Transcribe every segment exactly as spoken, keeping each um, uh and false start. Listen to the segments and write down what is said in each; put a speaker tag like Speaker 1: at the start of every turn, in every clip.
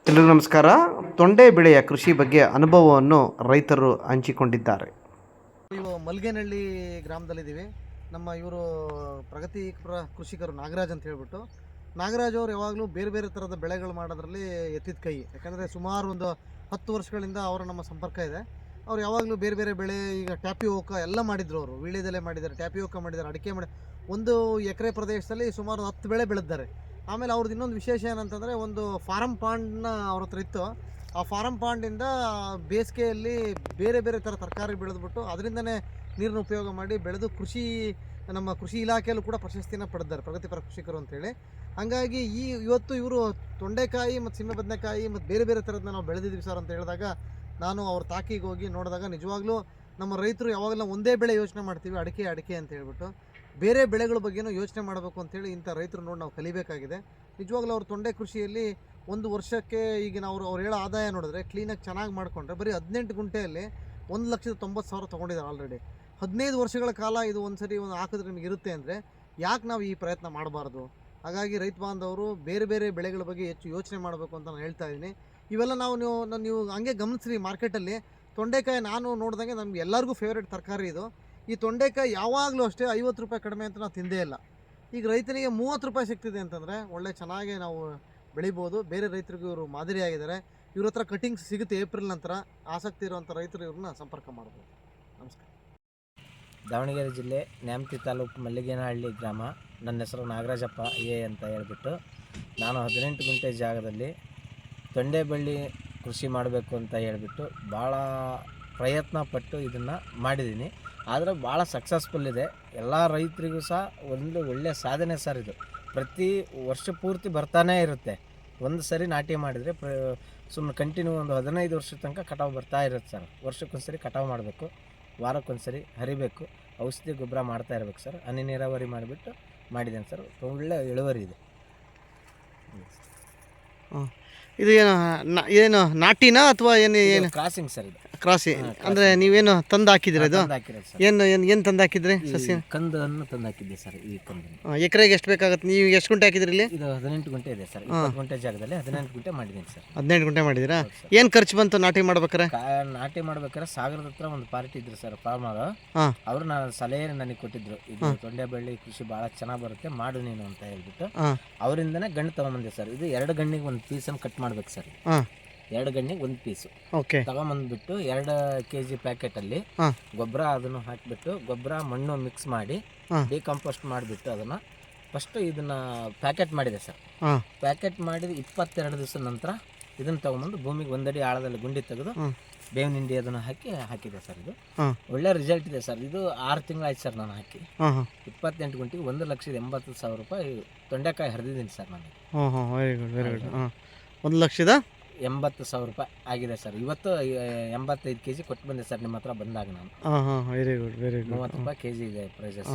Speaker 1: ಎಲ್ರಿಗೂ ನಮಸ್ಕಾರ. ತೊಂಡೆ ಬೆಳೆಯ ಕೃಷಿ ಬಗ್ಗೆ ಅನುಭವವನ್ನು ರೈತರು ಹಂಚಿಕೊಂಡಿದ್ದಾರೆ.
Speaker 2: ಇವು ಮಲ್ಗೇನಹಳ್ಳಿ ಗ್ರಾಮದಲ್ಲಿದ್ದೀವಿ. ನಮ್ಮ ಇವರು ಪ್ರಗತಿಪರ ಕೃಷಿಕರು ನಾಗರಾಜ್ ಅಂತ ಹೇಳ್ಬಿಟ್ಟು. ನಾಗರಾಜ್ ಅವರು ಯಾವಾಗಲೂ ಬೇರೆ ಬೇರೆ ಥರದ ಬೆಳೆಗಳು ಮಾಡೋದ್ರಲ್ಲಿ ಎತ್ತಿದ ಕೈ. ಯಾಕಂದರೆ ಸುಮಾರು ಒಂದು ಹತ್ತು ವರ್ಷಗಳಿಂದ ಅವರ ನಮ್ಮ ಸಂಪರ್ಕ ಇದೆ. ಅವ್ರು ಯಾವಾಗಲೂ ಬೇರೆ ಬೇರೆ ಬೆಳೆ, ಈಗ ಟ್ಯಾಪಿಯೋಕ ಎಲ್ಲ ಮಾಡಿದ್ರು. ಅವರು ವೀಳ್ಯದೆಲೆ ಮಾಡಿದ್ದಾರೆ, ಟ್ಯಾಪಿಯೋಕ ಮಾಡಿದ್ದಾರೆ, ಅಡಿಕೆ ಮಾಡಿ ಒಂದು ಎಕರೆ ಪ್ರದೇಶದಲ್ಲಿ ಸುಮಾರು ಹತ್ತು ಬೆಳೆ ಬೆಳೆದಿದ್ದಾರೆ. ಆಮೇಲೆ ಅವ್ರದ್ದು ಇನ್ನೊಂದು ವಿಶೇಷ ಏನಂತಂದರೆ, ಒಂದು ಫಾರಮ್ ಪಾಂಡ್ನ ಅವ್ರ ಹತ್ರ ಇತ್ತು. ಆ ಫಾರಮ್ ಪಾಂಡಿಂದ ಬೇಸಿಗೆಯಲ್ಲಿ ಬೇರೆ ಬೇರೆ ಥರ ತರಕಾರಿ ಬೆಳೆದ್ಬಿಟ್ಟು ಅದರಿಂದನೇ ನೀರನ್ನು ಉಪಯೋಗ ಮಾಡಿ ಬೆಳೆದು ಕೃಷಿ ನಮ್ಮ ಕೃಷಿ ಇಲಾಖೆಯಲ್ಲೂ ಕೂಡ ಪ್ರಶಸ್ತಿನ ಪಡೆದಿದ್ದಾರೆ, ಪ್ರಗತಿಪರ ಕೃಷಿಕರು ಅಂತೇಳಿ. ಹಾಗಾಗಿ ಈ ಇವತ್ತು ಇವರು ತೊಂಡೆಕಾಯಿ ಮತ್ತು ಸೀಮೆ ಬದನೆಕಾಯಿ ಮತ್ತು ಬೇರೆ ಬೇರೆ ಥರದನ್ನ ನಾವು ಬೆಳೆದಿದ್ದೀವಿ ಸರ್ ಅಂತ ಹೇಳಿದಾಗ, ನಾನು ಅವ್ರ ತಾಕಿಗೆ ಹೋಗಿ ನೋಡಿದಾಗ ನಿಜವಾಗ್ಲೂ ನಮ್ಮ ರೈತರು ಯಾವಾಗಲೂ ಒಂದೇ ಬೆಳೆ ಯೋಚನೆ ಮಾಡ್ತೀವಿ, ಅಡಿಕೆ ಅಡಿಕೆ ಅಂತ ಹೇಳ್ಬಿಟ್ಟು. ಬೇರೆ ಬೆಳೆಗಳ ಬಗ್ಗೆನೂ ಯೋಚನೆ ಮಾಡಬೇಕು ಅಂತೇಳಿ ಇಂಥ ರೈತರು ನೋಡಿ ನಾವು ಕಲಿಬೇಕಾಗಿದೆ. ನಿಜವಾಗ್ಲೂ ಅವ್ರ ತೊಂಡೆ ಕೃಷಿಯಲ್ಲಿ ಒಂದು ವರ್ಷಕ್ಕೆ ಈಗ ನಾವು ಅವ್ರು ಹೇಳೋ ಆದಾಯ ನೋಡಿದ್ರೆ ಕ್ಲೀನಾಗಿ ಚೆನ್ನಾಗಿ ಮಾಡಿಕೊಂಡ್ರೆ ಬರೀ ಹದಿನೆಂಟು ಗುಂಟೆಯಲ್ಲಿ ಒಂದು ಲಕ್ಷದ ತೊಂಬತ್ತು ಸಾವಿರ ತೊಗೊಂಡಿದ್ದಾರೆ ಆಲ್ರೆಡಿ. ಹದಿನೈದು ವರ್ಷಗಳ ಕಾಲ ಇದು ಒಂದು ಸರಿ ಒಂದು ಹಾಕಿದ್ರೆ ನಿಮಗೆ ಇರುತ್ತೆ ಅಂದರೆ ಯಾಕೆ ನಾವು ಈ ಪ್ರಯತ್ನ ಮಾಡಬಾರ್ದು? ಹಾಗಾಗಿ ರೈತ ಬಾಂಧವರು ಬೇರೆ ಬೇರೆ ಬೆಳೆಗಳ ಬಗ್ಗೆ ಹೆಚ್ಚು ಯೋಚನೆ ಮಾಡಬೇಕು ಅಂತ ನಾನು ಹೇಳ್ತಾ ಇದ್ದೀನಿ. ಇವೆಲ್ಲ ನಾವು ನೀವು ನೀವು ಹಂಗೆ ಗಮನಿಸ್ರಿ, ಮಾರ್ಕೆಟಲ್ಲಿ ತೊಂಡೆಕಾಯಿ ನಾನು ನೋಡಿದಂಗೆ ನಮ್ಗೆ ಎಲ್ಲರಿಗೂ ಫೇವ್ರೇಟ್ ತರಕಾರಿ ಇದು. ಈ ತೊಂಡೆಕಾಯಿ ಯಾವಾಗಲೂ ಅಷ್ಟೇ ಐವತ್ತು ರೂಪಾಯಿ ಕಡಿಮೆ ಅಂತ ನಾವು ತಿಂದೇ ಇಲ್ಲ. ಈಗ ರೈತನಿಗೆ ಮೂವತ್ತು ರೂಪಾಯಿ ಸಿಗ್ತಿದೆ ಅಂತಂದರೆ ಒಳ್ಳೆ ಚೆನ್ನಾಗಿ ನಾವು ಬೆಳಿಬೋದು. ಬೇರೆ ರೈತರಿಗೂ ಇವರು ಮಾದರಿಯಾಗಿದ್ದಾರೆ. ಇವ್ರ ಹತ್ರ ಕಟಿಂಗ್ಸ್ ಸಿಗುತ್ತೆ ಏಪ್ರಿಲ್ ನಂತರ. ಆಸಕ್ತಿ ಇರುವಂಥ ರೈತರು ಇವ್ರನ್ನ ಸಂಪರ್ಕ ಮಾಡ್ಬೋದು. ನಮಸ್ಕಾರ.
Speaker 3: ದಾವಣಗೆರೆ ಜಿಲ್ಲೆ ನ್ಯಾಮತಿ ತಾಲೂಕು ಮಲ್ಲಿಗೇನಹಳ್ಳಿ ಗ್ರಾಮ. ನನ್ನ ಹೆಸರು ನಾಗರಾಜಪ್ಪ ಎ ಅಂತ ಹೇಳ್ಬಿಟ್ಟು, ನಾನು ಹದಿನೆಂಟು ಗುಂಟೆ ಜಾಗದಲ್ಲಿ ತೊಂಡೆ ಬಳ್ಳಿ ಕೃಷಿ ಮಾಡಬೇಕು ಅಂತ ಹೇಳ್ಬಿಟ್ಟು ಭಾಳ ಪ್ರಯತ್ನ ಪಟ್ಟು ಇದನ್ನು ಮಾಡಿದ್ದೀನಿ. ಆದರೆ ಭಾಳ ಸಕ್ಸಸ್ಫುಲ್ ಇದೆ. ಎಲ್ಲ ರೈತರಿಗೂ ಸಹ ಒಂದು ಒಳ್ಳೆಯ ಸಾಧನೆ ಸರ್ ಇದು. ಪ್ರತಿ ವರ್ಷ ಪೂರ್ತಿ ಬರ್ತಾನೇ ಇರುತ್ತೆ. ಒಂದು ಸರಿ ನಾಟಿ ಮಾಡಿದರೆ ಪ್ರ ಸುಮ್ಮನೆ ಕಂಟಿನ್ಯೂ ಒಂದು ಹದಿನೈದು ವರ್ಷದ ತನಕ ಕಟಾವು ಬರ್ತಾ ಇರುತ್ತೆ ಸರ್. ವರ್ಷಕ್ಕೊಂದು ಸರಿ ಕಟಾವು ಮಾಡಬೇಕು, ವಾರಕ್ಕೊಂದು ಸರಿ ಹರಿಬೇಕು, ಔಷಧಿ ಗೊಬ್ಬರ ಮಾಡ್ತಾ ಇರ್ಬೇಕು ಸರ್. ಹನಿ ನೀರಾವರಿ ಮಾಡಿಬಿಟ್ಟು ಮಾಡಿದ್ದೇನೆ ಸರ್. ಒಳ್ಳೆ ಇಳುವರಿ ಇದೆ.
Speaker 2: ಇದು ಏನು ಏನು ನಾಟಿನಾ ಅಥವಾ ಏನು ಏನು
Speaker 3: ಕ್ರಾಸಿಂಗ್ ಸರ್? ಇದು
Speaker 2: ಕ್ರಾಸಿ ಅಂದರೆ ನೀವೇನು ತಂದು ಹಾಕಿದ್ರಿ? ಇದು
Speaker 3: ಹಾಕಿರೋದು ಸರ್.
Speaker 2: ಏನು ಏನು ಏನು ತಂದು ಹಾಕಿದ್ರಿ ಸಸ್ಯ?
Speaker 3: ಕಂದನ್ನು ತಂದು ಹಾಕಿದ್ದೆ ಸರ್. ಈ ಕಂದನ್ನು
Speaker 2: ಎಕರೆಗೆ ಎಷ್ಟು ಬೇಕಾಗುತ್ತೆ? ನೀವು ಎಷ್ಟು ಗುಂಟೆ ಹಾಕಿದ್ರಿ ಇಲ್ಲಿ?
Speaker 3: ಇದು ಹದಿನೆಂಟು ಗುಂಟೆ ಇದೆ ಸರ್. ಇಪ್ಪತ್ತು ಗುಂಟೆ ಜಾಗದಲ್ಲಿ ಹದಿನೆಂಟು ಗುಂಟೆ ಮಾಡಿದ್ದೀನಿ ಸರ್.
Speaker 2: ಹದಿನೆಂಟು ಗುಂಟೆ ಮಾಡಿದ್ದೀರಾ? ಏನು ಖರ್ಚು ಬಂತು ನಾಟಿ ಮಾಡ್ಬೇಕಾರೆ?
Speaker 3: ನಾಟಿ ಮಾಡ್ಬೇಕಾದ್ರೆ ಸಾಗರದ ಹತ್ರ ಒಂದು ಪಾರ್ಟಿ ಇದ್ರು ಸರ್, ಫಾರ್ಮರ್.
Speaker 2: ಹಾಂ,
Speaker 3: ಅವರು ನಾನು ಸಲಹೆ ನನಗೆ ಕೊಟ್ಟಿದ್ರು, ಇದು ತೊಂಡೆ ಬೆಳ್ಳಿ ಕೃಷಿ ಭಾಳ ಚೆನ್ನಾಗಿ ಬರುತ್ತೆ, ಮಾಡು ನೀನು ಅಂತ ಹೇಳ್ಬಿಟ್ಟು. ಅವರಿಂದನೇ ಗಂಡು ತಗೊಂಬಂದೆ ಸರ್. ಇದು ಎರಡು ಗಣ್ಣಿಗೆ ಒಂದು ಪೀಸನ್ನು ಕಟ್ ಮಾಡ್ಬೇಕು ಸರ್.
Speaker 2: ಹಾಂ,
Speaker 3: ಎರಡು ಗಣ್ಣಿಗೆ ಒಂದು ಪೀಸು
Speaker 2: ಓಕೆ
Speaker 3: ತಗೊಂಬಂದ್ಬಿಟ್ಟು ಎರಡು ಕೆ ಜಿ ಪ್ಯಾಕೆಟಲ್ಲಿ ಗೊಬ್ಬರ ಅದನ್ನು ಹಾಕಿಬಿಟ್ಟು, ಗೊಬ್ಬರ ಮಣ್ಣು ಮಿಕ್ಸ್ ಮಾಡಿ ಡಿಕಂಪೋಸ್ಟ್ ಮಾಡಿಬಿಟ್ಟು ಅದನ್ನು ಫಸ್ಟು ಇದನ್ನು ಪ್ಯಾಕೆಟ್ ಮಾಡಿದೆ ಸರ್. ಪ್ಯಾಕೆಟ್ ಮಾಡಿದ ಇಪ್ಪತ್ತೆರಡು ದಿವಸದ ನಂತರ ಇದನ್ನು ತೊಗೊಂಬಂದು ಭೂಮಿಗೆ ಒಂದಡಿ ಆಳದಲ್ಲಿ ಗುಂಡಿ ತೆಗೆದು ಬೇವಿನ ಹಿಂಡಿ ಅದನ್ನು ಹಾಕಿ ಹಾಕಿದೆ ಸರ್. ಇದು ಒಳ್ಳೆ ರಿಸಲ್ಟ್ ಇದೆ ಸರ್. ಇದು ಆರು ತಿಂಗಳಾಯ್ತು ಸರ್ ನಾನು ಹಾಕಿ. ಇಪ್ಪತ್ತೆಂಟು ಗುಂಟಿಗೆ ಒಂದು ಲಕ್ಷದ ಎಂಬತ್ತು ಸಾವಿರ ರೂಪಾಯಿ ತೊಂಡೆಕಾಯಿ ಹರಿದಿದ್ದೀನಿ ಸರ್ ನಾನು.
Speaker 2: Very good very good. ಒಂದು ಲಕ್ಷದ
Speaker 3: ಎಂಬತ್ತು ಸಾವಿರ ರೂಪಾಯಿ ಆಗಿದೆ ಸರ್. ಇವತ್ತು ಎಂಬತ್ತೈದು ಕೆ ಜಿ ಕೊಟ್ಟು ಬಂದೆ ಸರ್ ನಿಮ್ಮ ಹತ್ರ ಬಂದಾಗ ನಾನು.
Speaker 2: ಹಾಂ ಹಾಂ ವೆರಿ ಗುಡ್ ವೆರಿ ಗುಡ್.
Speaker 3: ಮೂವತ್ತು ರೂಪಾಯಿ ಕೆ ಜಿ ಇದೆ ಪ್ರೈಸಸ್.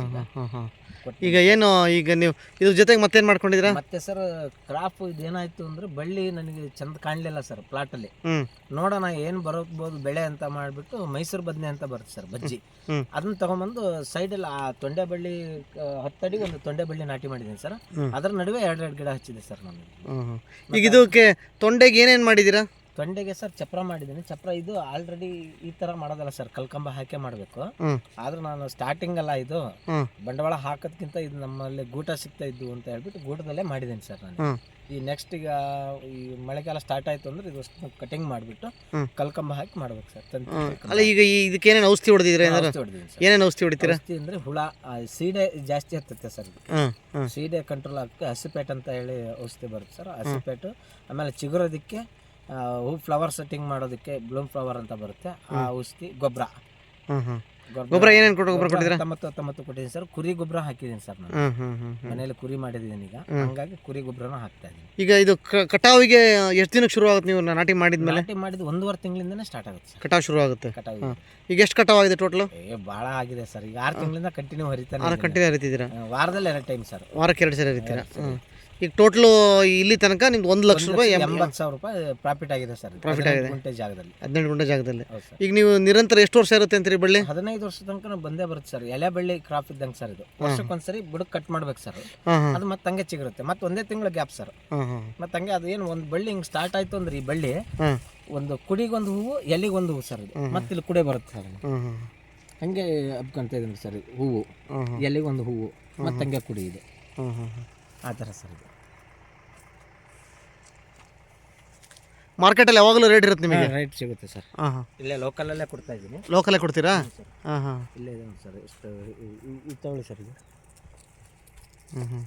Speaker 2: ಈಗ ಏನು ಈಗ ನೀವು ಇದ್ರ ಜೊತೆಗೆ ಮತ್ತೇನು ಮಾಡ್ಕೊಂಡಿದ್ದೀರಾ?
Speaker 3: ಮತ್ತೆ ಸರ್ ಕ್ರಾಪ್ ಇದೇನಾಯ್ತು ಅಂದರೆ ಬಳ್ಳಿ ನನಗೆ ಚಂದ ಕಾಣಲಿಲ್ಲ ಸರ್ ಪ್ಲಾಟಲ್ಲಿ. ನೋಡೋಣ ಏನು ಬರೋಬೋದು ಬೆಳೆ ಅಂತ ಮಾಡಿಬಿಟ್ಟು ಮೈಸೂರು ಬದನೆ ಅಂತ ಬರುತ್ತೆ ಸರ್, ಬಜ್ಜಿ. ಅದನ್ನ ತಗೊಂಬಂದು ಸೈಡಲ್ಲಿ ಆ ತೊಂಡೆ ಬಳ್ಳಿ ಹತ್ತಡಿ ಒಂದು ತೊಂಡೆ ಬಳ್ಳಿ ನಾಟಿ ಮಾಡಿದ್ದೀನಿ ಸರ್. ಅದರ ನಡುವೆ ಎರಡೆರಡು ಗಿಡ ಹಚ್ಚಿದೆ ಸರ್ ನಾನು.
Speaker 2: ಈಗ ಇದಕ್ಕೆ ತೊಂಡೆಗೆ ಏನೇನು ಮಾಡಿದ್ದೀರಾ?
Speaker 3: ತೊಂಡೆಗೆ ಸರ್ ಚಪ್ರ ಮಾಡಿದ್ದೀನಿ. ಚಪ್ರ ಇದು ಆಲ್ರೆಡಿ ಈ ತರ ಮಾಡೋದಲ್ಲ ಸರ್, ಕಲ್ಕಂಬ ಹಾಕಿ ಮಾಡಬೇಕು. ಆದ್ರೆ ನಾನು ಸ್ಟಾರ್ಟಿಂಗ್ ಅಲ್ಲ, ಇದು ಬಂಡವಾಳ ಹಾಕೋದ್ಕಿಂತ ಇದು ನಮ್ಮಲ್ಲಿ ಗೂಟ ಸಿಗ್ತಾ ಇದ್ದು ಅಂತ ಹೇಳ್ಬಿಟ್ಟು ಗೂಟದಲ್ಲೇ ಮಾಡಿದ್ದೀನಿ ಸರ್ ನಾನು. ಈ ನೆಕ್ಸ್ಟ್ ಈಗ ಈ ಮಳೆಗಾಲ ಸ್ಟಾರ್ಟ್ ಆಯ್ತು ಅಂದ್ರೆ ಇದು ಕಟಿಂಗ್ ಮಾಡಿಬಿಟ್ಟು ಕಲ್ಕಂಬ ಹಾಕಿ ಮಾಡ್ಬೇಕು ಸರ್.
Speaker 2: ಅಲ್ಲ ಈಗ ಇದಕ್ಕೆ ಏನೇನು ಔಷಧಿ ಹೊಡೆದಿದ್ರೆ? ಏನೇನು ಔಷಧಿ ಹೊಡಿತೀರಾ?
Speaker 3: ಔಷಧಿ ಅಂದ್ರೆ ಹುಳ ಸೀಡೆ ಜಾಸ್ತಿ ಹತ್ತುತ್ತೆ ಸರ್. ಸೀಡೆ ಕಂಟ್ರೋಲ್ ಆಗಕ್ಕೆ ಹಸಿಪೇಟ್ ಅಂತ ಹೇಳಿ ಔಷಧಿ ಬರುತ್ತೆ ಸರ್. ಹಸಿಪೇಟು, ಆಮೇಲೆ ಚಿಗುರೋದಕ್ಕೆ ಹೂ ಫ್ಲವರ್ ಸೆಟ್ಟಿಂಗ್ ಮಾಡೋದಕ್ಕೆ ಬ್ಲೂಮ್ ಫ್ಲವರ್ ಅಂತ ಬರುತ್ತೆ ಆ ಔಷಧಿ. ಗೊಬ್ಬರ
Speaker 2: ಗೊಬ್ಬರ ಏನೇನು ಕೊಟ್ಟು ಗೊಬ್ಬರ ಕೊಟ್ಟಿದ್ದೀರಾ?
Speaker 3: ಹತ್ತೊಂಬತ್ತು ಹತ್ತೊಂಬತ್ತು ಕೊಟ್ಟಿದ್ದೀನಿ ಸರ್. ಕುರಿ ಗೊಬ್ಬರ ಹಾಕಿದ್ದೀನಿ ಸರ್ ನಾನು. ಮನೆಯಲ್ಲಿ ಕುರಿ ಮಾಡಿದ್ದೀನಿ ಈಗ, ಹಂಗಾಗಿ ಕುರಿ ಗೊಬ್ಬರನೂ ಹಾಕ್ತಾ ಇದ್ದೀನಿ.
Speaker 2: ಈಗ ಇದು ಕಟಾವಿಗೆ ಎಷ್ಟು ದಿನಕ್ಕೆ ಶುರು ಆಗುತ್ತೆ? ನೀವು ನಾಟಿ ಮಾಡಿದ್ಮೇಲೆ?
Speaker 3: ನಾಟಿ ಮಾಡಿದ ಒಂದೂವರೆ ತಿಂಗಳಿಂದನೇ ಸ್ಟಾರ್ಟ್ ಆಗುತ್ತೆ ಸರ್
Speaker 2: ಕಟಾವು ಶುರು ಆಗುತ್ತೆ.
Speaker 3: ಕಟಾವು
Speaker 2: ಈಗ ಎಷ್ಟು ಕಟಾವು ಆಗಿದೆ ಟೋಟಲ್?
Speaker 3: ಏ ಭಾಳ ಆಗಿದೆ ಸರ್. ಈಗ ಆರು ತಿಂಗಳಿಂದ ಕಂಟಿನ್ಯೂ ಹರಿತಾನೆ.
Speaker 2: ಆರು ಕಂಟಿನ್ಯೂ ಹರಿತಿದ್ದೀರಾ?
Speaker 3: ವಾರದಲ್ಲಿ ಎರಡು ಟೈಮ್ ಸರ್.
Speaker 2: ವಾರಕ್ಕೆ ಎರಡು ಸರಿ ಹರಿತೀರಾ? ಈಗ ಟೋಟ್ಲು ಇಲ್ಲಿ ತನಕ ನಿಮ್ದು ಒಂದು ಲಕ್ಷ ರೂಪಾಯಿ
Speaker 3: ಎಂಬತ್ತು ಸಾವಿರ ರೂಪಾಯಿ ಪ್ರಾಫಿಟ್ ಆಗಿದೆ ಸರ್.
Speaker 2: ಪ್ರಾಫಿಟ್ ಆಗಿದೆ
Speaker 3: ಗುಂಟೆ ಜಾಗದಲ್ಲಿ,
Speaker 2: ಹದಿನೆಂಟು ಗುಂಟೆ ಜಾಗದಲ್ಲಿ.
Speaker 3: ಹೌದು ಸರ್.
Speaker 2: ಈಗ ನೀವು ನಿರಂತರ ಎಷ್ಟು ವರ್ಷ ಇರುತ್ತೆ ಅಂತೀರಿ ಬಳ್ಳಿ?
Speaker 3: ಹದಿನೈದು ವರ್ಷ ತನಕ ಬಂದೇ ಬರುತ್ತೆ ಸರ್. ಎಲೆ ಬಳ್ಳಿ ಕ್ರಾಪ್ ಇದ್ದಂಗೆ ಸರ್ ಇದು. ವರ್ಷಕ್ಕೊಂದ್ಸರಿ ಬುಡಕ್ ಕಟ್ ಮಾಡ್ಬೇಕು ಸರ್.
Speaker 2: ಹಾಂ ಹಾಂ
Speaker 3: ಅದು ಮತ್ತೆ ಹಂಗೆ ಚಿಗುರುತ್ತೆ. ಮತ್ತೆ ಒಂದೇ ತಿಂಗಳ ಗ್ಯಾಪ್ ಸರ್.
Speaker 2: ಹಾಂ ಹಾಂ
Speaker 3: ಮತ್ತೆ ಹಂಗೆ ಅದು ಏನು ಒಂದು ಬಳ್ಳಿ ಹಿಂಗೆ ಸ್ಟಾರ್ಟ್ ಆಯ್ತು ಅಂದ್ರೆ ಈ ಬಳ್ಳಿ
Speaker 2: ಹಾಂ
Speaker 3: ಒಂದು ಕುಡಿಗೊಂದು ಹೂವು, ಎಲಿಗೊಂದು ಹೂವು ಸರ್. ಇದು ಮತ್ತೆ ಇಲ್ಲಿ ಕುಡೆ ಬರುತ್ತೆ ಸರ್.
Speaker 2: ಹಾಂ ಹಾಂ
Speaker 3: ಹಂಗೆ ಹಬ್ಕೊಂತ ಇದೀನಿ ಸರ್. ಹೂವು, ಎಲೆಗೊಂದು ಹೂವು, ಮತ್ತೆ ಹಂಗೆ ಕುಡಿ ಇದೆ.
Speaker 2: ಹಾಂ ಹಾಂ ಹಾಂ
Speaker 3: ಆ ಥರ ಸರ್ ಇದು.
Speaker 2: ಮಾರ್ಕೆಟಲ್ಲಿ ಯಾವಾಗಲೂ ರೇಟ್ ಇರುತ್ತೆ ನಿಮಗೆ?
Speaker 3: ರೈಟ್ ಸಿಗುತ್ತೆ ಸರ್.
Speaker 2: ಹಾಂ ಹಾಂ
Speaker 3: ಇಲ್ಲೇ ಲೋಕಲಲ್ಲೇ ಕೊಡ್ತಾ ಇದ್ದೀನಿ.
Speaker 2: ಲೋಕಲೇ ಕೊಡ್ತೀರಾ? ಹಾಂ ಹಾಂ
Speaker 3: ಇಲ್ಲೇ ಇದೆ ನೋಡಿ ಸರ್. ಎಷ್ಟು ಇದು ತಗೊಳ್ಳಿ ಸರ್ ಇದು.
Speaker 2: ಹ್ಞೂ ಹ್ಞೂ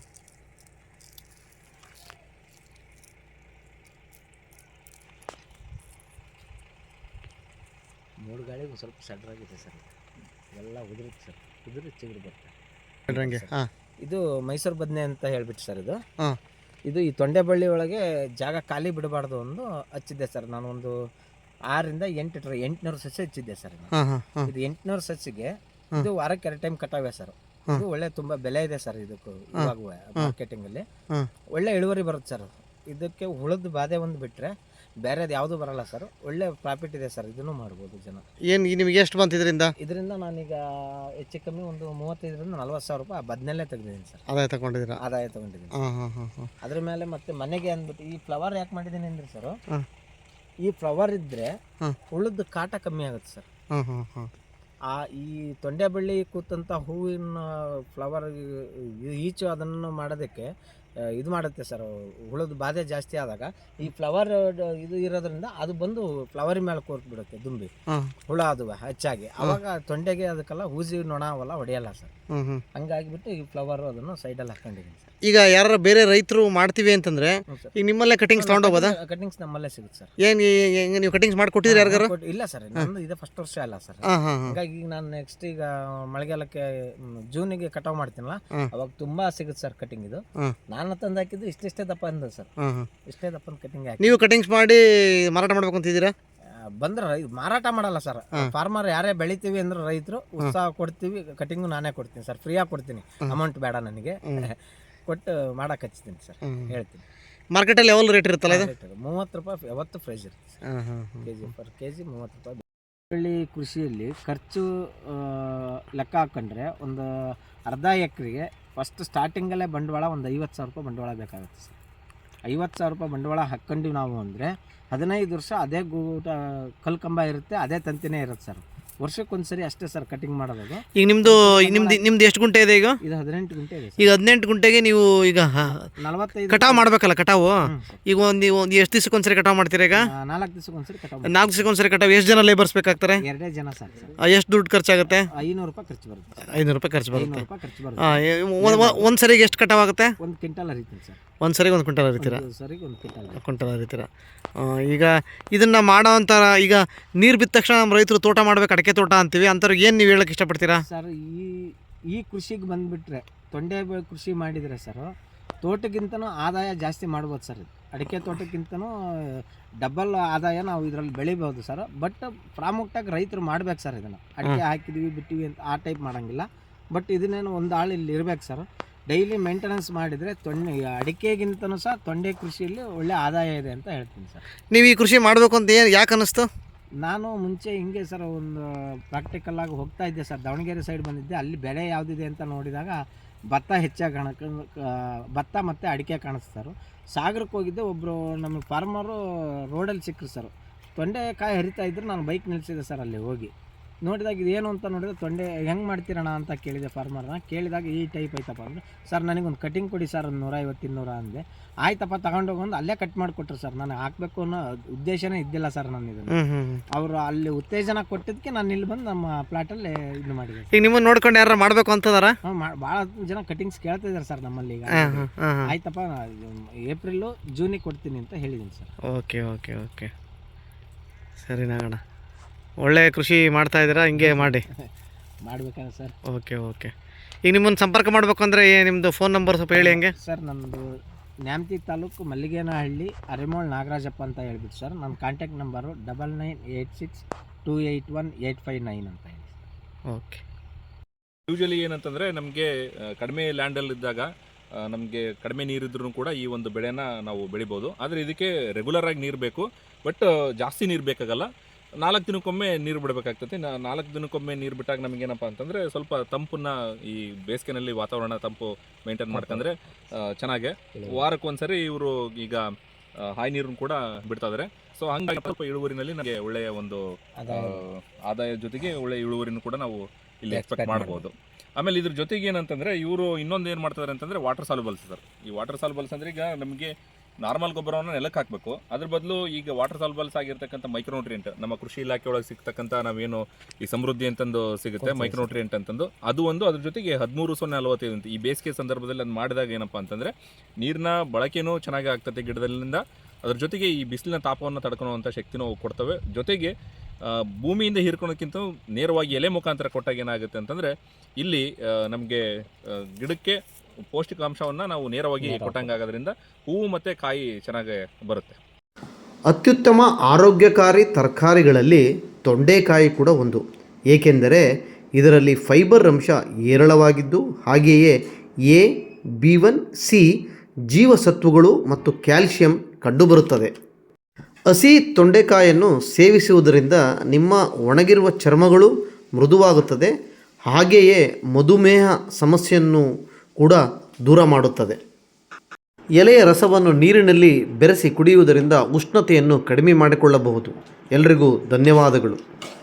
Speaker 3: ಮೂರು ಗಾಳಿಗೆ ಒಂದು ಸ್ವಲ್ಪ ಸಡ್ರಾಗಿದೆ ಸರ್. ಎಲ್ಲ ಉದುರುತ್ತೆ ಸರ್. ಉದುರಿ ಚಿಗುರು ಬರುತ್ತೆ.
Speaker 2: ಹಂಗೆ. ಹಾಂ
Speaker 3: ಇದು ಮೈಸೂರು ಬದನೆ ಅಂತ ಹೇಳ್ಬಿಟ್ಟು ಸರ್ ಇದು.
Speaker 2: ಹಾಂ
Speaker 3: ಇದು ಈ ತೊಂಡೆಬಳ್ಳಿ ಒಳಗೆ ಜಾಗ ಖಾಲಿ ಬಿಡಬಾರ್ದು ಒಂದು ಹಚ್ಚಿದ್ದೆ ಸರ್. ನಾನು ಒಂದು ಆರರಿಂದ ಎಂಟು ಟ್ರ ಎಂಟುನೂರು ಸಸಿ ಹಚ್ಚಿದ್ದೆ ಸರ್.
Speaker 2: ಹಾಂ ಹಾಂ ಹಾಂ
Speaker 3: ಇದು ಎಂಟುನೂರು ಸಸಿಗೆ ಇದು ವಾರಕ್ಕೆ ಎರಡು ಟೈಮ್ ಕಟಾವೆ ಸರ್. ಇದು ಒಳ್ಳೆ ತುಂಬ ಬೆಲೆ ಇದೆ ಸರ್ ಇದಕ್ಕೂ. ಇವಾಗ ಮಾರ್ಕೆಟಿಂಗಲ್ಲಿ
Speaker 2: ಹಾಂ
Speaker 3: ಒಳ್ಳೆ ಇಳುವರಿ ಬರುತ್ತೆ ಸರ್. ಇದಕ್ಕೆ ಹುಳದ ಬಾಧೆ ಒಂದು ಬಿಟ್ಟರೆ ಬೇರೆದು ಯಾವುದು ಬರಲ್ಲ ಸರ್. ಒಳ್ಳೆ ಪ್ರಾಫಿಟ್ ಇದೆ ಸರ್. ಇದನ್ನು ಮಾಡ್ಬೋದು ಜನ.
Speaker 2: ಏನು ನಿಮಗೆ ಎಷ್ಟು ಬಂತು ಇದರಿಂದ?
Speaker 3: ಇದರಿಂದ ನಾನೀಗ ಹೆಚ್ಚು ಕಮ್ಮಿ ಒಂದು ಮೂವತ್ತೈದರಿಂದ ನಲ್ವತ್ತು ಸಾವಿರ ರೂಪಾಯಿ ಬದನೆಲ್ಲೇ ತೆಗೆದಿದ್ದೀನಿ ಸರ್.
Speaker 2: ಆದಾಯ ತಗೊಂಡಿದ್ದೀರಾ?
Speaker 3: ಆದಾಯ ತೊಗೊಂಡಿದ್ದೀನಿ.
Speaker 2: ಹಾಂ ಹಾಂ ಹಾಂ ಹಾಂ
Speaker 3: ಅದ್ರ ಮೇಲೆ ಮತ್ತೆ ಮನೆಗೆ ಅಂದ್ಬಿಟ್ಟು ಈ ಫ್ಲವರ್ ಯಾಕೆ ಮಾಡಿದ್ದೀನಿ ಅಂದ್ರೆ ಸರ್,
Speaker 2: ಹಾಂ
Speaker 3: ಈ ಫ್ಲವರ್ ಇದ್ದರೆ
Speaker 2: ಹಾಂ
Speaker 3: ಹುಳದ ಕಾಟ ಕಮ್ಮಿ ಆಗುತ್ತೆ ಸರ್.
Speaker 2: ಹಾಂ ಹಾಂ ಹಾಂ
Speaker 3: ಆ ಈ ತೊಂಡೆಬಳ್ಳಿ ಕೂತಂಥ ಹೂವಿನ ಫ್ಲವರ್ ಈಚು ಅದನ್ನು ಮಾಡೋದಕ್ಕೆ ಇದು ಮಾಡುತ್ತೆ ಸರ್. ಹುಳದ ಬಾಧೆ ಜಾಸ್ತಿ ಆದಾಗ ಈ ಫ್ಲವರ್ ಇದು ಇರೋದ್ರಿಂದ ಅದು ಬಂದು ಫ್ಲವರ್ ಮೇಲೆ ಕೂರ್ತು ಬಿಡುತ್ತೆ ದುಂಬಿ ಹುಳ ಅದು ಹೆಚ್ಚಾಗಿ. ಅವಾಗ ತೊಂಡೆಗೆ ಅದಕ್ಕೆಲ್ಲ ಹೂಜಿ ನೊಣ ಅವೆಲ್ಲ ಹೊಡೆಯಲ್ಲ ಸರ್. ಹಂಗಾಗಿಬಿಟ್ಟು ಈ ಫ್ಲವರ್ ಅದನ್ನು ಸೈಡಲ್ಲಿ ಹಾಕೊಂಡಿದ್ದೀನಿ ಸರ್.
Speaker 2: ಈಗ ಯಾರು ಬೇರೆ ರೈತರು ಮಾಡ್ತೀವಿ ಅಂತಂದ್ರೆ ಈಗ ನಿಮ್ಮಲ್ಲೇ ಕಟಿಂಗ್ಸ್ ತಗೊಂಡೋಗ್ಬೋದಾ?
Speaker 3: ಕಟಿಂಗ್ಸ್ ನಮ್ಮಲ್ಲೇ ಸಿಗುತ್ತೆ ಸರ್.
Speaker 2: ಏನು ಹೆಂಗೆ ನೀವು ಕಟಿಂಗ್ಸ್ ಮಾಡಿಕೊಟ್ಟಿದ್ರೆ ಯಾರಿಗಾರು?
Speaker 3: ಇಲ್ಲ ಸರ್, ನಂದು ಇದೆ ಫಸ್ಟ್ ವರ್ಷ ಅಲ್ಲ ಸರ್.
Speaker 2: ಹಾಂ ಹಾಂ
Speaker 3: ಹಂಗಾಗಿ ಈಗ ನಾನು ನೆಕ್ಸ್ಟ್ ಈಗ ಮಳೆಗಾಲಕ್ಕೆ ಜೂನಿಗೆ ಕಟಾವ್ ಮಾಡ್ತೀನಲ್ಲ, ಅವಾಗ ತುಂಬಾ ಸಿಗುತ್ತೆ ಸರ್ ಕಟಿಂಗ್. ಇದು ನಾನು ತಂದು ಹಾಕಿದ್ದು ಇಷ್ಟಿಷ್ಟೇ ದಪ್ಪ ಅಂದ ಸರ್. ಇಷ್ಟೇ ದಪ್ಪ ಕಟಿಂಗ್ ಹಾಕಿ
Speaker 2: ನೀವು ಕಟಿಂಗ್ಸ್ ಮಾಡಿ ಮಾರಾಟ ಮಾಡ್ಬೇಕು ಅಂತಿದ್ದೀರಾ?
Speaker 3: ಬಂದ್ರೆ ಮಾರಾಟ ಮಾಡಲ್ಲ ಸರ್. ಫಾರ್ಮರ್ ಯಾರೇ ಬೆಳಿತೀವಿ ಅಂದ್ರೆ ರೈತರು ಉತ್ಸಾಹ ಕೊಡ್ತೀವಿ. ಕಟಿಂಗು ನಾನೇ ಕೊಡ್ತೀನಿ ಸರ್. ಫ್ರೀಯಾಗಿ ಕೊಡ್ತೀನಿ. ಅಮೌಂಟ್ ಬೇಡ ನನಗೆ. ಕೊಟ್ಟು ಮಾಡಕ್ಕೆ ಹಚ್ತೀನಿ ಸರ್. ಹೇಳ್ತೀನಿ.
Speaker 2: ಮಾರ್ಕೆಟಲ್ಲಿ ಯಾವಾಗ ರೇಟ್ ಇರುತ್ತಲ್ಲ ಇದು?
Speaker 3: ಮೂವತ್ತು ರೂಪಾಯಿ ಯಾವತ್ತು ಪ್ರೈಸ್ ಇರುತ್ತೆ K G per K G ಮೂವತ್ತು ರೂಪಾಯಿ. ಬೆಳ್ಳಿ ಕೃಷಿಯಲ್ಲಿ ಖರ್ಚು ಲೆಕ್ಕ ಹಾಕೊಂಡ್ರೆ ಒಂದು ಅರ್ಧ ಎಕರೆಗೆ ಫಸ್ಟ್ ಸ್ಟಾರ್ಟಿಂಗಲ್ಲೇ ಬಂಡವಾಳ ಒಂದು ಐವತ್ತು ಸಾವಿರ ರೂಪಾಯಿ ಬಂಡವಾಳ ಬೇಕಾಗುತ್ತೆ ಸರ್. ಐವತ್ತು ಸಾವಿರ ರೂಪಾಯಿ ಬಂಡವಾಳ ಹಾಕ್ಕೊಂಡಿವಿ ನಾವು ಅಂದರೆ ಹದಿನೈದು ವರ್ಷ ಅದೇ ಗೂಟ ಕಲ್ಲು ಕಂಬ ಇರುತ್ತೆ, ಅದೇ ತಂತಿನೇ ಇರುತ್ತೆ ಸರ್. ವರ್ಷಕ್ಕೊಂದ್ಸರಿ ಅಷ್ಟೇ ಸರ್ ಕಟಿಂಗ್ ಮಾಡೋದು.
Speaker 2: ಈಗ ನಿಮ್ಮದು ನಿಮ್ದು ನಿಮ್ದು ಎಷ್ಟು ಗುಂಟೆ ಇದೆ ಈಗ?
Speaker 3: ಇದು ಹದಿನೆಂಟು ಗುಂಟೆ ಇದೆ.
Speaker 2: ಈಗ ಹದಿನೆಂಟು ಗುಂಟೆಗೆ ನೀವು ಈಗ
Speaker 3: ನಲವತ್ತೈದು
Speaker 2: ಕಟಾವು ಮಾಡಬೇಕಲ್ಲ? ಕಟಾವು ಈಗ ಒಂದು ಒಂದು ಎಷ್ಟು ದಿವಸಕ್ಕೊಂದ್ಸರಿ ಕಟಾವು ಮಾಡ್ತೀರಾ? ಈಗ
Speaker 3: ನಾಲ್ಕು ದಿವಸಕ್ಕೊಂದ್ಸರಿ ಕಟಾವು.
Speaker 2: ನಾಲ್ಕು ದಿವಸಕ್ಕೊಂದ್ಸರಿ ಕಟಾವು. ಎಷ್ಟು ಜನ ಲೇಬರ್ಸ್ ಬೇಕಾಗ್ತಾರೆ?
Speaker 3: ಎರಡೇ ಜನ ಸರ್.
Speaker 2: ಎಷ್ಟು ದುಡ್ಡು ಖರ್ಚಾಗುತ್ತೆ?
Speaker 3: ಐನೂರು ರೂಪಾಯಿ ಖರ್ಚು ಬರುತ್ತೆ.
Speaker 2: ಐನೂರು ರೂಪಾಯಿ ಖರ್ಚು ಬರುತ್ತೆ.
Speaker 3: ಐನೂರು ರೂಪಾಯಿ ಖರ್ಚು ಬರುತ್ತೆ.
Speaker 2: ಒಂದು ಸರಿಗೆ ಎಷ್ಟು ಕಟಾವು ಆಗುತ್ತೆ?
Speaker 3: ಒಂದು ಕ್ವಿಂಟಲ್ ಹರಿತೀನಿ ಸರ್.
Speaker 2: ಒಂದು ಸರಿಗೆ ಒಂದು ಕ್ವಿಂಟಲ್ ಹರಿತೀರಾ?
Speaker 3: ಸರಿಗೆ ಒಂದು ಕ್ವಿಂಟಲ್
Speaker 2: ಕ್ವಿಂಟಲ್ ಹರಿತೀರಾ? ಈಗ ಇದನ್ನು ಮಾಡೋ ಅಂತಾರ. ಈಗ ನೀರು ಬಿದ್ದ ತಕ್ಷಣ ನಮ್ಮ ರೈತರು ತೋಟ ಮಾಡ್ಬೇಕು, ಅಡಿಕೆ ತೋಟ ಅಂತೀವಿ, ಅಂಥವ್ರಿಗೆ ಏನು ನೀವು ಹೇಳಕ್ಕೆ ಇಷ್ಟಪಡ್ತೀರಾ
Speaker 3: ಸರ್? ಈ ಈ ಕೃಷಿಗೆ ಬಂದುಬಿಟ್ರೆ ತೊಂಡೆ ಕೃಷಿ ಮಾಡಿದರೆ ಸರ್ ತೋಟಕ್ಕಿಂತನೂ ಆದಾಯ ಜಾಸ್ತಿ ಮಾಡ್ಬೋದು ಸರ್. ಇದು ಅಡಿಕೆ ತೋಟಕ್ಕಿಂತನೂ ಡಬಲ್ ಆದಾಯ ನಾವು ಇದರಲ್ಲಿ ಬೆಳಿಬೋದು ಸರ್. ಬಟ್ ಪ್ರಾಮುಖ್ಯವಾಗಿ ರೈತರು ಮಾಡ್ಬೇಕು ಸರ್. ಇದನ್ನು ಅಡಿಕೆ ಹಾಕಿದ್ವಿ ಬಿಟ್ಟಿವಿ ಅಂತ ಆ ಟೈಪ್ ಮಾಡೋಂಗಿಲ್ಲ. ಬಟ್ ಇದನ್ನೇನು ಒಂದು ಆಳು ಇಲ್ಲಿ ಇರ್ಬೇಕು ಸರ್. ಡೈಲಿ ಮೇಂಟೆನೆನ್ಸ್ ಮಾಡಿದರೆ ತೊಂಡೆ ಅಡಿಕೆಗಿಂತನೂ ಸಹ ತೊಂಡೆ ಕೃಷಿಯಲ್ಲಿ ಒಳ್ಳೆ ಆದಾಯ ಇದೆ ಅಂತ ಹೇಳ್ತೀನಿ ಸರ್.
Speaker 2: ನೀವು ಈ ಕೃಷಿ ಮಾಡಬೇಕು ಅಂತ ಏನು ಯಾಕೆ ಅನ್ನಿಸ್ತು?
Speaker 3: ನಾನು ಮುಂಚೆ ಹಿಂಗೆ ಸರ್ ಒಂದು ಪ್ರಾಕ್ಟಿಕಲ್ಲಾಗಿ ಹೋಗ್ತಾ ಇದ್ದೆ ಸರ್. ದಾವಣಗೆರೆ ಸೈಡ್ ಬಂದಿದ್ದೆ. ಅಲ್ಲಿ ಬೆಳೆ ಯಾವುದಿದೆ ಅಂತ ನೋಡಿದಾಗ ಭತ್ತ ಹೆಚ್ಚಾಗಿ ಕಾಣ ಭತ್ತ ಮತ್ತು ಅಡಿಕೆ ಕಾಣಿಸ್ತಾರೆ. ಸಾಗರಕ್ಕೆ ಹೋಗಿದ್ದೆ. ಒಬ್ಬರು ನಮಗೆ ಫಾರ್ಮರು ರೋಡಲ್ಲಿ ಸಿಕ್ಕರು ಸರ್. ತೊಂಡೆಕಾಯಿ ಹರಿತಾ ಇದ್ರು. ನಾನು ಬೈಕ್ ನಿಲ್ಲಿಸಿದೆ ಸರ್. ಅಲ್ಲಿ ಹೋಗಿ ನೋಡಿದಾಗ ಇದೇನು ಅಂತ ನೋಡಿದ್ರೆ ತೊಂಡೆ ಹೆಂಗೆ ಮಾಡ್ತೀರಣ್ಣ ಅಂತ ಕೇಳಿದೆ ಫಾರ್ಮರ್ನ. ಕೇಳಿದಾಗ ಈ ಟೈಪ್ ಐತಪ್ಪ ಅಂದರೆ ಸರ್ ನನಗೊಂದು ಕಟಿಂಗ್ ಕೊಡಿ ಸರ್ ಒಂದು ನೂರೈವತ್ತು ಇನ್ನೂರ ಅಂದೆ. ಆಯ್ತಪ್ಪ ತಗೊಂಡೋಗೊಂದು ಅಲ್ಲೇ ಕಟ್ ಮಾಡಿಕೊಟ್ರು ಸರ್. ನಾನು ಹಾಕಬೇಕು ಅನ್ನೋ ಉದ್ದೇಶನೇ ಇದ್ದಿಲ್ಲ ಸರ್ ನಾನು ಇದನ್ನು. ಅವರು ಅಲ್ಲಿ ಉತ್ತೇಜನ ಕೊಟ್ಟಿದ್ದಕ್ಕೆ ನಾನು ಇಲ್ಲಿ ಬಂದು ನಮ್ಮ ಪ್ಲಾಟಲ್ಲಿ ಇದು ಮಾಡಿದೆ.
Speaker 2: ಈಗ ನಿಮ್ಮನ್ನು ನೋಡ್ಕೊಂಡು ಯಾರು ಮಾಡಬೇಕು ಅಂತದಾರ?
Speaker 3: ಹಾಂ, ಭಾಳ ಜನ ಕಟಿಂಗ್ಸ್ ಕೇಳ್ತಿದ್ದಾರೆ ಸರ್ ನಮ್ಮಲ್ಲಿ. ಈಗ ಆಯ್ತಪ್ಪ ಏಪ್ರಿಲು ಜೂನಿಗೆ ಕೊಡ್ತೀನಿ ಅಂತ ಹೇಳಿದ್ದೀನಿ ಸರ್.
Speaker 2: ಓಕೆ ಓಕೆ ಓಕೆ ಸರಿ ನಾಗಣ್ಣ, ಒಳ್ಳೆ ಕೃಷಿ ಮಾಡ್ತಾ ಇದ್ದೀರಾ, ಹಿಂಗೆ ಮಾಡಿ
Speaker 3: ಮಾಡ್ಬೇಕಲ್ಲ ಸರ್.
Speaker 2: ಓಕೆ ಓಕೆ ಈಗ ನಿಮ್ಮನ್ನು ಸಂಪರ್ಕ ಮಾಡಬೇಕು ಅಂದರೆ ನಿಮ್ಮದು ಫೋನ್ ನಂಬರ್ ಸ್ವಲ್ಪ ಹೇಳಿ. ಹಂಗೆ
Speaker 3: ಸರ್ ನಮ್ಮದು ನ್ಯಾಮತಿ ತಾಲೂಕು ಮಲ್ಲಿಗೇನಹಳ್ಳಿ ಅರಿಮೋಳ್ ನಾಗರಾಜಪ್ಪ ಅಂತ ಹೇಳ್ಬಿಟ್ಟು ಸರ್. ನನ್ನ contact number double nine eight six two eight one eight five nine ಅಂತ ಹೇಳಿ.
Speaker 2: ಓಕೆ.
Speaker 4: ಯೂಶಲಿ ಏನಂತಂದರೆ ನಮಗೆ ಕಡಿಮೆ ಲ್ಯಾಂಡಲ್ಲಿದ್ದಾಗ ನಮಗೆ ಕಡಿಮೆ ನೀರಿದ್ರೂ ಕೂಡ ಈ ಒಂದು ಬೆಳೆನ ನಾವು ಬೆಳಿಬೋದು. ಆದರೆ ಇದಕ್ಕೆ ರೆಗ್ಯುಲರ್ ಆಗಿ ನೀರು ಬೇಕು, ಬಟ್ ಜಾಸ್ತಿ ನೀರು ಬೇಕಾಗಲ್ಲ. ನಾಲ್ಕು ದಿನಕ್ಕೊಮ್ಮೆ ನೀರು ಬಿಡಬೇಕಾಗ್ತದೆ. ನಾಲ್ಕು ದಿನಕ್ಕೊಮ್ಮೆ ನೀರು ಬಿಟ್ಟಾಗ ನಮಗೇನಪ್ಪ ಅಂತಂದರೆ ಸ್ವಲ್ಪ ತಂಪನ್ನ, ಈ ಬೇಸಿಗೆನಲ್ಲಿ ವಾತಾವರಣ ತಂಪು ಮೇಂಟೈನ್ ಮಾಡ್ಕೊಂಡ್ರೆ ಚೆನ್ನಾಗೆ. ವಾರಕ್ಕೊಂದ್ಸರಿ ಇವರು ಈಗ ಹಾಯಿ ನೀರನ್ನು ಕೂಡ ಬಿಡ್ತಾ ಇದ್ದಾರೆ. ಸೊ ಹಂಗಾಗಿ ಸ್ವಲ್ಪ ಇಳುವರಿನಲ್ಲಿ ನಮಗೆ ಒಳ್ಳೆಯ ಒಂದು ಆದಾಯ ಜೊತೆಗೆ ಒಳ್ಳೆಯ ಇಳುವರಿನೂ ಕೂಡ ನಾವು ಇಲ್ಲಿ ಎಕ್ಸ್ಪೆಕ್ಟ್ ಮಾಡ್ಬೋದು. ಆಮೇಲೆ ಇದ್ರ ಜೊತೆಗೆ ಏನಂತಂದರೆ ಇವರು ಇನ್ನೊಂದು ಏನು ಮಾಡ್ತಾರೆ ಅಂತಂದರೆ ವಾಟರ್ ಸಾಲ್ಯುಬಲ್ಸ್ ಸರ್. ಈ ವಾಟರ್ ಸಾಲ್ಯುಬಲ್ಸ್ ಅಂದರೆ ಈಗ ನಮಗೆ ನಾರ್ಮಲ್ ಗೊಬ್ಬರವನ್ನು ನೆಲಕ್ಕೆ ಹಾಕಬೇಕು, ಅದ್ರ ಬದಲು ಈಗ ವಾಟರ್ ಸಾಲ್ಯುಬಲ್ಸ್ ಆಗಿರ್ತಕ್ಕಂಥ ಮೈಕ್ರೋನ್ಯೂಟ್ರಿಯೆಂಟ್ ನಮ್ಮ ಕೃಷಿ ಇಲಾಖೆ ಒಳಗೆ ಸಿಗ್ತಕ್ಕಂಥ ನಾವೇನು ಈ ಸಮೃದ್ಧಿ ಅಂತಂದು ಸಿಗುತ್ತೆ ಮೈಕ್ರೋನ್ಯೂಟ್ರಿಯೆಂಟ್ ಅಂತಂದು, ಅದು ಒಂದು. ಅದ್ರ ಜೊತೆಗೆ ಹದಿಮೂರು ಸೊನ್ನೆ ನಲವತ್ತೈದು ಅಂತ ಈ ಬೇಸಿಗೆ ಸಂದರ್ಭದಲ್ಲಿ ಅದು ಮಾಡಿದಾಗ ಏನಪ್ಪ ಅಂತಂದರೆ ನೀರಿನ ಬಳಕೆನೂ ಚೆನ್ನಾಗಿ ಆಗ್ತದೆ ಗಿಡದಲ್ಲಿಂದ. ಅದ್ರ ಜೊತೆಗೆ ಈ ಬಿಸಿಲಿನ ತಾಪವನ್ನು ತಡ್ಕೊಳ್ಳುವಂಥ ಶಕ್ತಿನೂ ಕೊಡ್ತವೆ. ಜೊತೆಗೆ ಭೂಮಿಯಿಂದ ಹೀರ್ಕೊಳೋಕ್ಕಿಂತ ನೇರವಾಗಿ ಎಲೆ ಮುಖಾಂತರ ಕೊಟ್ಟಾಗ ಏನಾಗುತ್ತೆ ಅಂತಂದರೆ ಇಲ್ಲಿ ನಮಗೆ ಗಿಡಕ್ಕೆ ಪೌಷ್ಟಿಕಾಂಶವನ್ನು ನಾವು ನೇರವಾಗಿ ಕೊಟ್ಟಂಗಾಗೋದ್ರಿಂದ ಹೂವು ಮತ್ತು ಕಾಯಿ ಚೆನ್ನಾಗಿ ಬರುತ್ತೆ.
Speaker 1: ಅತ್ಯುತ್ತಮ ಆರೋಗ್ಯಕಾರಿ ತರಕಾರಿಗಳಲ್ಲಿ ತೊಂಡೆಕಾಯಿ ಕೂಡ ಒಂದು, ಏಕೆಂದರೆ ಇದರಲ್ಲಿ ಫೈಬರ್ ಅಂಶ ಹೇರಳವಾಗಿದ್ದು ಹಾಗೆಯೇ ಎ, ಬಿ ಒನ್, ಸಿ ಜೀವಸತ್ವಗಳು ಮತ್ತು ಕ್ಯಾಲ್ಸಿಯಂ ಕಂಡುಬರುತ್ತದೆ. ಹಸಿ ತೊಂಡೆಕಾಯನ್ನು ಸೇವಿಸುವುದರಿಂದ ನಿಮ್ಮ ಒಣಗಿರುವ ಚರ್ಮಗಳು ಮೃದುವಾಗುತ್ತದೆ, ಹಾಗೆಯೇ ಮಧುಮೇಹ ಸಮಸ್ಯೆಯನ್ನು ಕೂಡ ದೂರ ಮಾಡುತ್ತದೆ. ಎಲೆಯ ರಸವನ್ನು ನೀರಿನಲ್ಲಿ ಬೆರೆಸಿ ಕುಡಿಯುವುದರಿಂದ ಉಷ್ಣತೆಯನ್ನು ಕಡಿಮೆ ಮಾಡಿಕೊಳ್ಳಬಹುದು. ಎಲ್ರಿಗೂ ಧನ್ಯವಾದಗಳು.